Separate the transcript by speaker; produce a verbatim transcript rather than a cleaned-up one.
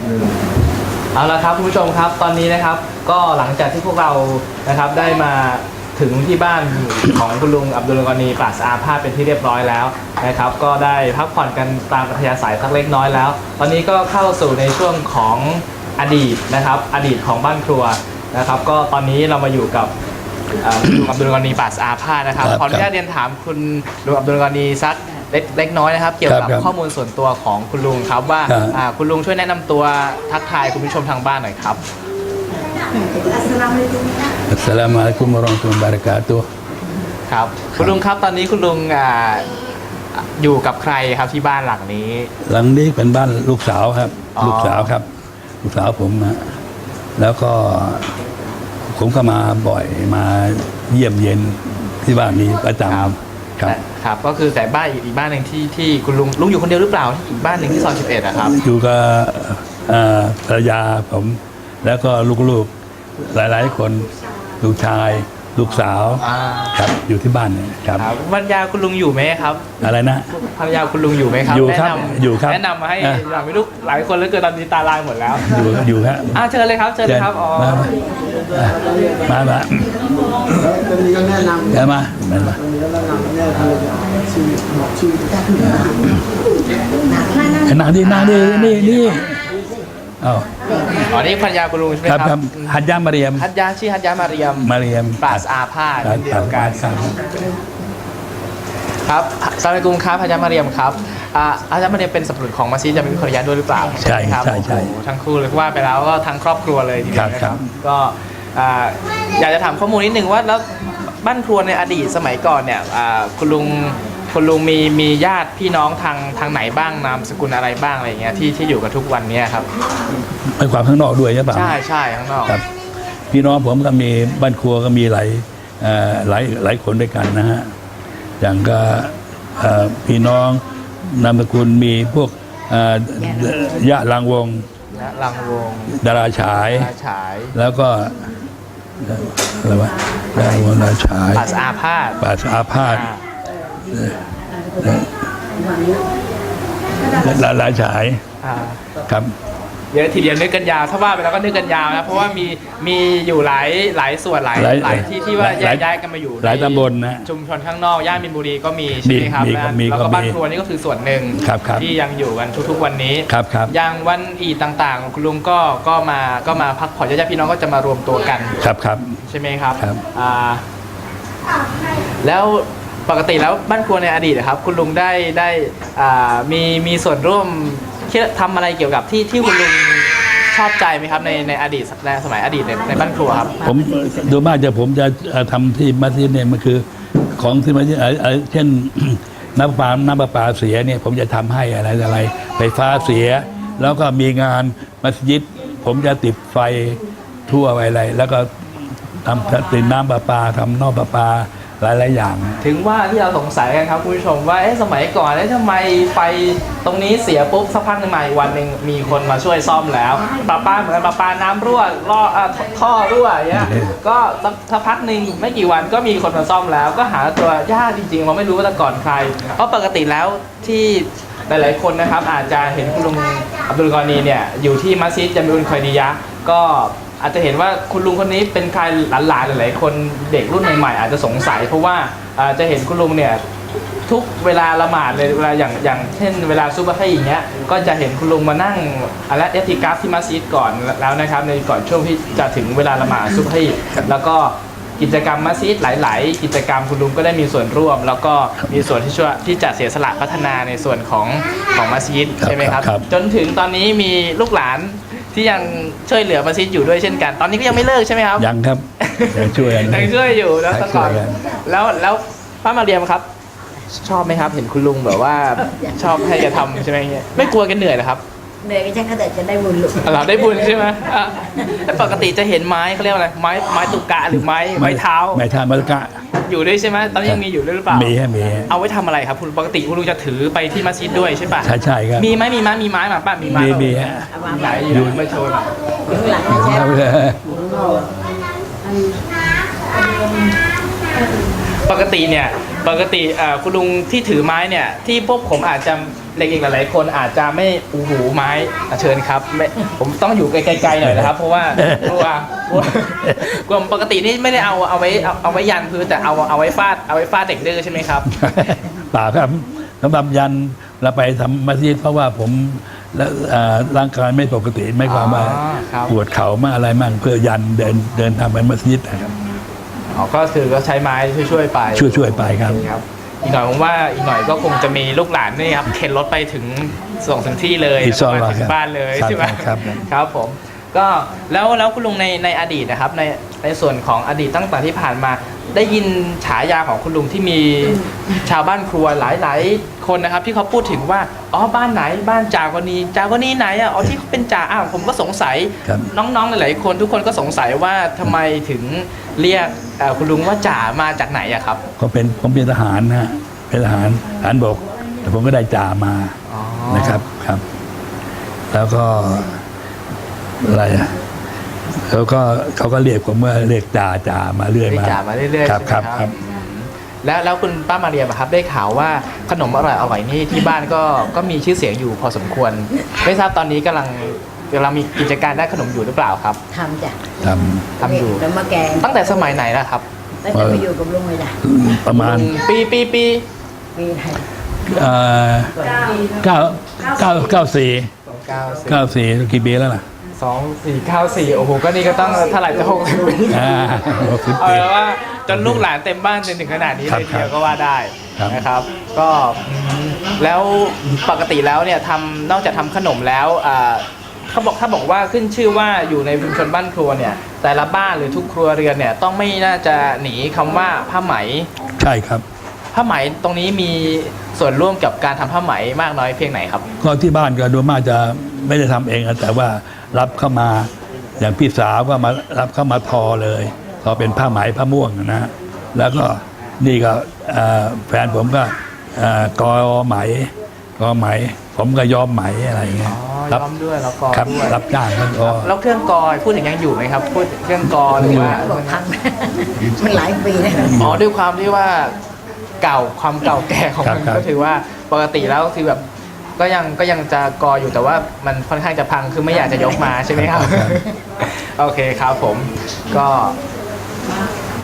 Speaker 1: เอาละครับคุณผู้ชมครับตอนนี้นะครับก็หลังจากที่พวกเรานะครับได้มาถึงที่บ้านของคุณลุงอับดุลกอนีปราศอาพาธเป็นที่เรียบร้อยแล้วนะครับก็ได้พักผ่อนกันตามอัธยาศัยสักเล็กน้อยแล้วตอนนี้ก็เข้าสู่ในช่วงของอดีตนะครับอดีตของบ้านครัวนะครับก็ตอนนี้เรามาอยู่กับลุงอับดุลกอนีปราศอาพาธนะครับขออนุญาตเรียนถามคุณลุงอับดุลกอนีสักเล็กเล็กน้อยนะครับเกี่ยวกับข้อมูลส่วนตัวของคุณลุงครับว่าคุณลุงช่วยแนะนำตัวทักทายคุณผู้ชมทางบ้านหน่อยครับ
Speaker 2: อัสสลามุอะลัยกุมวะเราะห์มะตุลลอฮิวะบะเราะกาตุฮ์
Speaker 1: ครับคุณลุงครับตอนนี้คุณลุงอยู่กับใครครับที่บ้านหลังนี้
Speaker 2: หลังนี้เป็นบ้านลูกสาวครับลูกสาวครับลูกสาวผมนะแล้วก็ผมก็มาบ่อยมาเยี่ยมเย็นที่บ้านนี้ประจำ
Speaker 1: ครับครับก็คือแต่บ้านอีกบ้านหนึ่งที่ที่คุณลุงลุงอยู่คนเดียวหรือเปล่าอีกบ้านหนึ่งที่ซอยสิบเอ็ดนะครับ
Speaker 2: อยู่กับภรรยาผมแล้วก็ลูกๆหลายๆคนลูกชายลูกสาวครับอยู่ที่บ้านเนี่ยครับ
Speaker 1: ภรรยาคุณลุงอยู่ไหมครับ
Speaker 2: อะไรนะ
Speaker 1: ภรรยาคุณลุงอยู่ไหมครับ
Speaker 2: อยู่ครับอยู่ครับ
Speaker 1: แนะนำมาให้หลังไม่ลูกหลายคนแล้วเกิดตอนนี้ตาลายหมดแล้ว
Speaker 2: อยู่อยู่ครับ
Speaker 1: อ่าเชิญเลยครับเชิญเลยครับอ๋อ
Speaker 2: มามา
Speaker 3: ตอนนี้ก็แนะนำ
Speaker 2: เดี๋ยวมา
Speaker 3: ตอนนี้ก็แนะนำแนะนำชื่อบอกชื่อ
Speaker 2: นั่งดีนั่งดีนี่นี่อ๋อ
Speaker 1: อ๋อนี่ภรรยาคุณลุงใช่ไหมครับ
Speaker 2: ฮัจญะมาเรียม
Speaker 1: ฮัจญะชื่อฮัจญะมาเรียม
Speaker 2: มาเรียม
Speaker 1: ปราศอาพาธเดียวกันครับสวัสดีคุณครับฮัจญะมาเรียมครับฮัจญะมาเรียมเป็นสับปะรดของมัสยิดจะมีภรรยาด้วยหรือเปล่า
Speaker 2: ใช่ครับใช่ใช่
Speaker 1: ทั้งคู่เลยว่าไปแล้วก็ทั้งครอบครัวเลยทีเดียวนะครับก็อยากจะถามข้อมูลนิดนึงว่าแล้วบ้านครัวในอดีตสมัยก่อนเนี่ยคุณลุงคุณลุงมีมีญาติพี่น้องทางทางไหนบ้างนามสกุลอะไรบ้างอะไรอย่างเงี้ยที่ที่อยู่กันทุกวันนี้ครับ
Speaker 2: ไปความข้างนอกด้วยใช่ป่ะ
Speaker 1: ใช่ใช่ข้างนอก
Speaker 2: ครับพี่น้องผมก็มีบ้านครัวก็มีหลายหลายหลายคนด้วยกันนะฮะอย่างก็พี่น้องนามสกุลมีพวกยะลังวง
Speaker 1: ยะลังวง
Speaker 2: ดาราฉายแล้วก็อะไรวะดาราดาราฉาย
Speaker 1: ปราศอาพาธ
Speaker 2: ปราศอาพาธหลายหลายฉายครับ
Speaker 1: เดี๋ยวทีเดียวนึกกันยาวถ้าว่าไปแล้วก็นึกกันยาวนะเพราะว่ามีมีอยู่หลายหลายส่วนหลายหลายที่ที่ว่าแยกย้ายกันมาอยู่
Speaker 2: หลายตำบลนะ
Speaker 1: ชุมชนข้างนอกย่านมินบุรีก็มีใช่ไหมครับแล้วก็บ้านครัวนี่ก็คือส่วนหนึ่งที่ยังอยู่กันทุกๆวันนี้อย่างวันอีดต่างๆคุณลุงก็ก็มาก็มาพักผ่อนญาติพี่น้องก็จะมารวมตัวกัน
Speaker 2: ครับครับ
Speaker 1: ใช่ไหมครับแล้วปกติแล้วบ้านครัวในอดีตนะครับคุณลุงได้ได้มีมีส่วนร่วมทำอะไรเกี่ยวกับที่ที่คุณลุงชอบใจไหมครับในในอดีตในสมัยอดีตในในบ้านครัวครับ
Speaker 2: ผมโดยมากจะผมจะทำที่มัสยิดเนี่ยมันคือของที่มัสยิดเช่นน้ำประปาน้ำประปาเสียเนี่ยผมจะทำให้อะไรอะไรไฟฟ้าเสียแล้วก็มีงานมัสยิดผมจะติดไฟทั่วไปอะไรแล้วก็ทำติดน้ำประปาทำนอกประปาหลายหลายอย่าง
Speaker 1: ถึงว่าที่เราสงสัยกันครับคุณผู้ชมว่าเอ๊ะสมัยก่อนเอ๊ะทำไมไฟตรงนี้เสียปุ๊บสักพักหนึ่งมาอีกวันหนึ่งมีคนมาช่วยซ่อมแล้วประปาเหมือนประปาน้ำรั่วล่อท่อรั่วอย่างเงี้ยก็สักพักหนึ่งไม่กี่วันก็มีคนมาซ่อมแล้วก็หาตัวยากจริงๆเราไม่รู้ว่าแต่ก่อนใครเพราะปกติแล้วที่หลายๆคนนะครับอาจจะเห็นคุณลุงอับดุลกอนีเนี่ยอยู่ที่มัสยิดจามิอุลคอยดียะห์ก็อาจจะเห็นว่าคุณลุงคนนี้เป็นใครหลานๆหลายๆคนเด็กรุ่นใหม่ๆอาจจะสงสัยเพราะว่าจะเห็นคุณลุงเนี่ยทุกเวลาละหมาดเลยเวลาอย่างอย่างเช่นเวลาซุบฮ์อย่างเงี้ยก็จะเห็นคุณลุงมานั่งอะละอิติกาฟที่มัสยิดก่อนแล้วนะครับในก่อนช่วงที่จะถึงเวลาละหมาดซุบฮ์แล้วก็กิจกรรมมัสยิดหลายๆกิจกรรมคุณลุงก็ได้มีส่วนร่วมแล้วก็มีส่วนที่ช่วยที่จะเสียสละพัฒนาในส่วนของของมัสยิดใช่ไหมครับจนถึงตอนนี้มีลูกหลานที่ยังช่วยเหลือมัสยิดอยู่ด้วยเช่นกันตอนนี้ก็ยังไม่เลิกใช่ไหมครับ
Speaker 2: ยังครับยังช่วย
Speaker 1: ยังช่วยอยู่แล้วตก่อนแล้วแล้วป้ามาเรียมครับชอบไหมครับเห็นคุณลุงแบบว่าชอบให้แกทำใช่ไหมเงี้ยไม่กลัวแกเหนื่อยหรอครับ
Speaker 4: เหนื่อยก็ใช่ก็แต่จะได้บุญหรือ
Speaker 1: เราได้บุญใช่ไหมปกติจะเห็นไม้เขาเรียกอะไรไม้ไม้ตุกะหรือไม้ไม้เท้า
Speaker 2: ไม้เท้าไม้ตุกะ
Speaker 1: อยู่ด้วยใช่ไหมตอนนี้ยังมีอยู่ด้วยหรือเปล่า
Speaker 2: มีฮะมี
Speaker 1: เอาไว้ทำอะไรครับคุณปกติคุณลุงจะถือไปที่มัสยิดด้วยใช่ป่ะ
Speaker 2: ใช่ใช่ครับ
Speaker 1: มีไหมมีไม้มีไม้มาป่ะมีไม้
Speaker 2: มีมีฮะ
Speaker 1: ไหนอยู่ไม่โชว์หน่อยปกติเนี่ยปกติคุณลุงที่ถือไม้เนี่ยที่พวกผมอาจจะเด็กๆหลายๆคนอาจจะไม่อูหูไม้อ่ะเชิญครับไม่ผมต้องอยู่ไกลๆหน่อยนะครับเพราะว่ากลัวกลัวกลัวปกตินี่ไม่ได้เอาเอาไว้เอาเอาไว้ยันพื้นแต่เอาเอาไว้ฟาดเอาไว้ฟาดเด็กดื้อใช่ไหมครับ
Speaker 2: ป่าครับสำหรับยันเราไปทำมัสยิดเพราะว่าผมและอ่าร่างกายไม่ปกติไม่ความว่า
Speaker 1: อ๋อครับ
Speaker 2: ปวดเข่ามากอะไรมั่งเพื่อยันเดินเดินทำไปมัสยิดนะครับ
Speaker 1: อ๋อก็คือก็ใช้ไม้ช่วยๆไป
Speaker 2: ช่วยๆไปครับ
Speaker 1: โอเครับอีกหน่อยผมว่าอีกหน่อยก็คงจะมีลูกหลานนี่ครับเข็นรถไปถึงส่งถึงที่เลย
Speaker 2: อินชาอัลลอฮ์
Speaker 1: มาถึงบ้านเลย
Speaker 2: ครับ
Speaker 1: ใช่ไหม
Speaker 2: ครับ
Speaker 1: ครับผมก็แล้วแล้วคุณลุงในในอดีตนะครับในในส่วนของอดีตตั้งแต่ที่ผ่านมา ได้ยินฉายาของคุณลุงที่มีชาวบ้านครัวหลายๆคนนะครับ ที่เขาพูดถึงว่าอ๋อบ้านไหนบ้านจากนีจากนีไหนอ่ะอ๋อที่เขาเป็นจ่าอ้าวผมก็สงสัย
Speaker 2: ครับ
Speaker 1: น้องๆหลายๆคนทุกคนก็สงสัยว่าทำไมถึงเรียกเอ่อคุณลุงว่าจ่ามาจากไหนอะครับ
Speaker 2: ก็เป็นผมเป็นทหารนะฮะเป็นทหารทหารบกแต่ผมก็ได้จ่ามา
Speaker 1: อ๋อ
Speaker 2: นะครับครับ แล้วก็อะไรอะแล้วก็เขาก็เรียกผมว่าเรียกจ่าจ่ามาเรื่อย
Speaker 1: เรียก
Speaker 2: มา
Speaker 1: จ่ามาเรื่อยๆ
Speaker 2: ครับ
Speaker 1: ใช่ไหม
Speaker 2: ครับครับ
Speaker 1: อืมแล้วแล้วคุณป้ามาเรียมอะครับได้ข่าวว่าขนมอร่อยอร่อยนี่ที่บ้านก็ก็มีชื่อเสียงอยู่พอสมควร ไม่ทราบตอนนี้กำลังกำลังมีกิจการด้านขนมอยู่หรือเปล่าครับ
Speaker 4: ทำจ้ะ
Speaker 2: ท
Speaker 1: ทำอยู่
Speaker 4: แล้วมาแกง
Speaker 1: ตั้งแต่สมัยไหนนะครับ
Speaker 4: ตั้งแต่ไปอยู่กับลุงเลยจ้ะ
Speaker 2: ำประมาณ
Speaker 1: ปีปีปี
Speaker 4: ปีไหน
Speaker 2: เอ่อเก้าเก้าเก้าสี่
Speaker 1: เก้าสิบ
Speaker 2: เก้าสี่กี่ปีแล้วล่ะ
Speaker 1: สองสี่เก้าสี่โอ้โหก็นี่ก็ต้องเท่าไหร่จะหกสิบปี
Speaker 2: อ่าหกสิบ
Speaker 1: เอา
Speaker 2: ปี
Speaker 1: เป็นว่าจนลูกหลานเต็มบ้านจนถึงขนาดนี้
Speaker 2: ครั
Speaker 1: เล
Speaker 2: บ
Speaker 1: ยทีเดียวก็ว่าได้
Speaker 2: ครับ
Speaker 1: นะครับ ก็อืมแล้วปกติแล้วเนี่ยทำนอกจากทำขนมแล้วอ่าเขาบอกถ้าบอกว่าขึ้นชื่อว่าอยู่ในชุมชนบ้านครัวเนี่ย แต่ละบ้านหรือทุกครัวเรือนเนี่ยต้องไม่น่าจะหนีคำว่าผ้าไหม
Speaker 2: ใช่ครับ
Speaker 1: ผ้าไหมตรงนี้มีส่วนร่วมกับการทำผ้าไหมมากน้อยเพียงไหนครับ
Speaker 2: ก็ที่บ้านก็โดยมากจะไม่ได้ทำเองนะแต่ว่ารับเข้ามาอย่างพี่สาวก็มารับเข้ามาทอเลยทอเป็นผ้าไหมผ้าม่วงนะฮะแล้วก็นี่ก็เอ่อแฟนผมก็เอ่อกอไหมกอไหม ผมก็ย้อมไหมอะไรอย่างเงี้
Speaker 1: อ๋
Speaker 2: ย
Speaker 1: อ
Speaker 2: รับ
Speaker 1: ย้อมด้วยแล้วก็
Speaker 2: ครับ
Speaker 1: ด้วย
Speaker 2: รับจ้างแล้วก็
Speaker 1: แล้วเครื่องกอยพูดถึงยังอยู่ไหมครับ พูดเครื่องกอหรือว่า
Speaker 4: บอกพัง มันหลายปีนะ
Speaker 1: อ๋อด้วยความที่ว่าเก่าความเก่าแก่ของมัน
Speaker 2: ครับ
Speaker 1: ก็ถือว่าปกติแล้วคือแบบก็ยังก็ยังจะกออยู่แต่ว่ามันค่อนข้างจะพังคือไม่อยากจะยกมาใช่ไหมครับ โอเคครับผมก็